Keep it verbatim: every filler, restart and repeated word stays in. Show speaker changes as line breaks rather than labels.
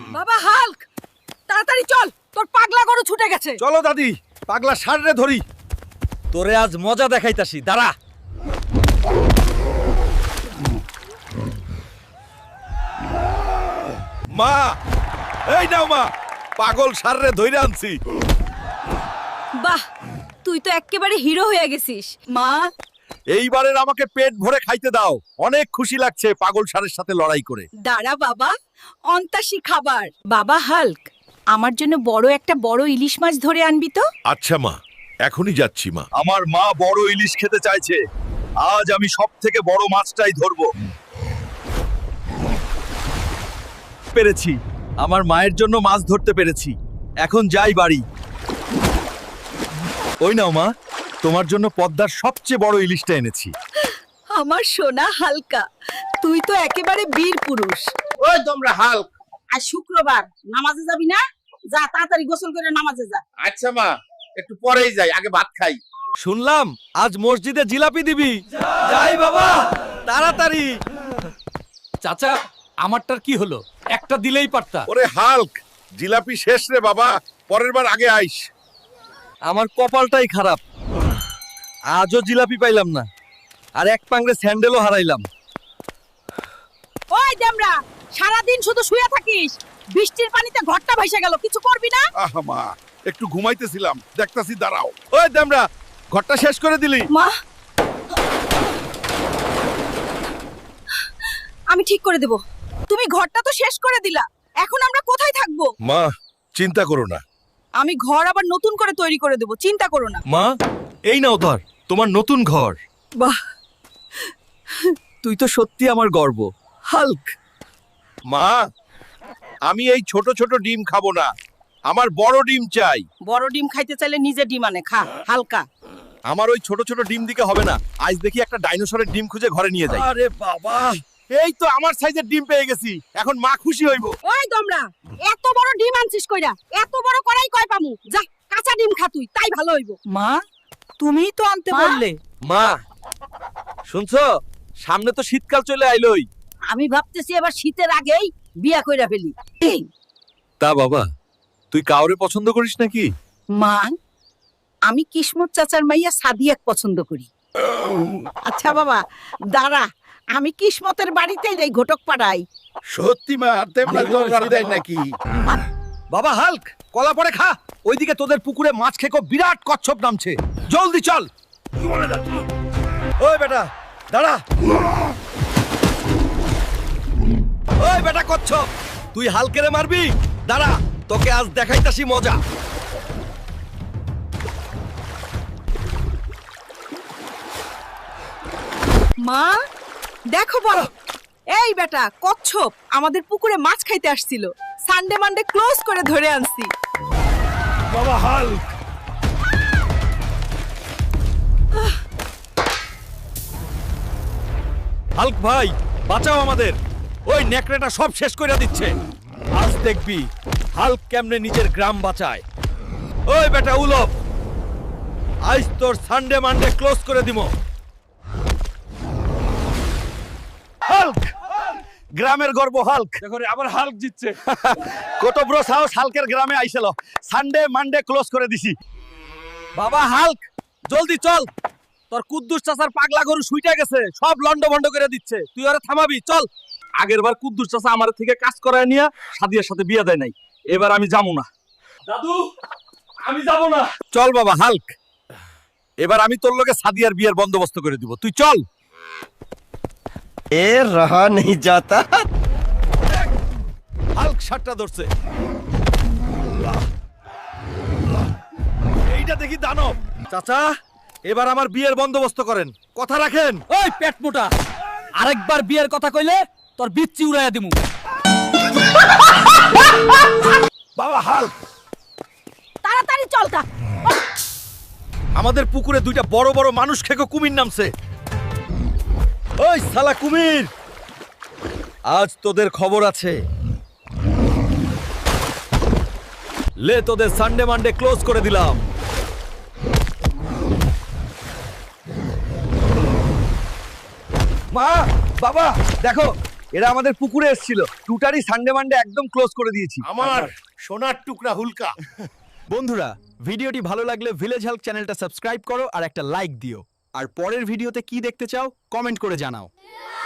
বাবা হাল্ক, তাড়াতাড়ি চল, তোর পাগলা গরু ছুটে গেছে।
চলো দাদি, পাগলা ষাঁড়রে ধরি। তোরে আজ মজা দেখাইতাছি, দাঁড়া। মা, এই নাও মা, পাগল ষাঁড়রে ধইরে আনছি।
বাহ, তুই তো এক্কেবারে হিরো হয়ে গেছিস। মা,
এইবারের আমাকে পেট ভরে খাইতে দাও। অনেক খুশি লাগছে পাগল ষাঁড়ের সাথে লড়াই করে।
দাঁড়া বাবা, অন্তাসী খাবার। বাবা হাল্ক, আমার জন্য বড় একটা বড় ইলিশ মাছ ধরে আনবি তো।
আচ্ছা মা, এখনই যাচ্ছি মা। আমার মা বড় ইলিশ খেতে চাইছে। আজ আমি সব থেকে বড় মাছটাই ধরবো। পেরেছি, আমার মায়ের জন্য মাছ ধরতে পেরেছি। এখন যাই বাড়ি। ওই নাও মা, তোমার জন্য পদ্মার সবচেয়ে বড় ইলিশটা এনেছি।
আমার সোনা হালকা, তুই তো একেবারে বীর পুরুষ।
ওই তোমরা হাল্ক, আজ শুক্রবার, নামাজে যাবি না? যা তাড়াতাড়ি গোসল করে নামাজে যা। আচ্ছা মা, একটু পরেই যাই, আগে ভাত খাই।
শুনলাম আজ মসজিদে জিলাপি দিবি। যাই বাবা, তাড়াতাড়ি।
চাচা, আমারটার কি হলো? একটা দিলেই পারতা।
ওরে হাল্ক, জিলাপি শেষ রে বাবা, পরের বার আগে আইস।
আমার কপালটাই খারাপ, আজও জিলাপি পাইলাম না, আর এক পাংড়ে স্যান্ডেলও হারাইলাম।
ওই দেমরা, সারাদিন শুধু শুয়ে থাকিস, বৃষ্টির পানিতে ঘরটা ভাইসা গেল, কিছু করবি না?
আহা মা, একটু ঘুমাইতেছিলাম, দেখতাছি, দাঁড়াও।
ওই দেমরা, ঘরটা শেষ করে দিলি।
মা, আমি ঠিক করে দেব। তুমি ঘরটা তো শেষ করে দিলা, এখন আমরা কোথায় থাকবো?
মা, চিন্তা করো না।
আমি ঘর আবার নতুন করে তৈরি করে দেব, চিন্তা করো না।
মা, এই নাও ধর তোমার নতুন ঘর।
বাহ,
তুই তো সত্যি আমার গর্ব, হাল্ক।
মা, আমি এই ছোট ছোট ডিম খাবো না, আমার বড় ডিম চাই।
বড় ডিম খাইতে চাইলে নিজে ডিম আনে খা, হালকা।
আমার ওই ছোট ছোট ডিম দিকে হবে না, আজ দেখি একটা ডাইনোসরের ডিম খুঁজে ঘরে নিয়ে যাই। আরে বাবা,
এই তো আমার সাইজের ডিম পেয়ে গেছি, এখন মা খুশি হইব।
ওই তোমরা এত বড় ডিম আনছিস কইরা, এত বড় করাই কয় পামু? যা কাঁচা ডিম খা তুই, তাই ভালো হইব।
মা, তুমিই তো আনতে
মা?
বললে।
মা শুনছো, সামনে তো শীতকাল চলে আইলোই।
আমি ভাবতেছি এবার শীতের আগেই বিয়া কইরা ফেলি। এই,
তা বাবা, তুই কাউরে পছন্দ করিস নাকি?
মা, আমি কিসমত চাচার মাইয়া সাদিয়াক পছন্দ করি। আচ্ছা বাবা, দাঁড়া, আমি কিসমতের বাড়িতেই যাই, ঘটক পাড়াই।
সত্যি মা, তেমন দরকার দেয় নাকি?
বাবা হাল্ক, কলা পরে খা। ওইদিকে তোদের পুকুরে মাছ খেকো বিরাট কচ্ছপ নামছে, জলদি চল। ওই বেটা দাঁড়া। ওই বেটা কচ্ছপ, তুই হালকেরে মারবি? দাঁড়া, তোকে আজ দেখাইতাছি মজা।
মা, দেখো বড়, এই বেটা কচ্ছপ আমাদের পুকুরে মাছ খাইতে আসছিল, সানডে মানডে ক্লোজ করে ধরে আনছি।
বাবা হাল্ক, হাল্ক ভাই বাঁচাও আমাদের, ওই নেকড়েটা সব শেষ করে দিচ্ছে। আজ দেখবি হাল্ক কেমনে নিজের গ্রাম বাঁচায়। ওই বেটা উলপ, আজ তোর সানডে মানডে ক্লোজ করে দিমো। হাল্ক, গ্রামের গর্ব হাল্ক।
দেখো রে, আবার হাল্ক জিতছে।
কত বড় সাহস হাল্কের গ্রামে আইছিল। সানডে মানডে ক্লোজ করে দিছি। বাবা হাল্ক, জলদি চল, তোর কুদ্দুস চাচার পাগলা গরু শুইটা গেছে, সব লন্ড ভন্ড করে দিচ্ছে। তুই ওরে থামাবি, চল। আগের বার কুদ্দুস চাচা আমার থেকে কাজ করায় নিয়া সাদিয়ার সাথে বিয়ে দেয় নাই, এবার আমি যাবো না।
দাদু, আমি যাব না।
চল বাবা হাল্ক, এবার আমি তোর লগে সাদিয়ার বিয়ের বন্দোবস্ত করে দিব, তুই চল।
এ রহা नहीं जाता।
হাল্ক সাতটা ধরছে। এইটা দেখি দানব। চাচা, এবার আমার বিয়ের বন্দোবস্ত করেন, কথা রাখেন।
ওই পেট মোটা, আরেকবার বিয়ের কথা কইলে তোর বিচ্ছি উড়াইয়া দিমু।
বাবা হাল্ক,
তাড়াতাড়ি চল তা।
আমাদের পুকুরে দুইটা বড় বড় মানুষ খেকো কুমির নামছে। ওই শালা কুমির, আজ তোদের খবর আছে। লে, তোদের সানডে মানডে ক্লোজ করে দিলাম। মা, বাবা দেখো, এরা আমাদের পুকুরে এসেছিল টুটারি সানডে মানডে একদম ক্লোজ করে দিয়েছি
আমার সোনার টুকরা হুলকা।
বন্ধুরা ভিডিওটি ভালো লাগলে ভিলেজ হেল্প চ্যানেলটা সাবস্ক্রাইব করো আর একটা লাইক দিও আর পরের ভিডিওতে কি দেখতে চাও কমেন্ট করে জানাও।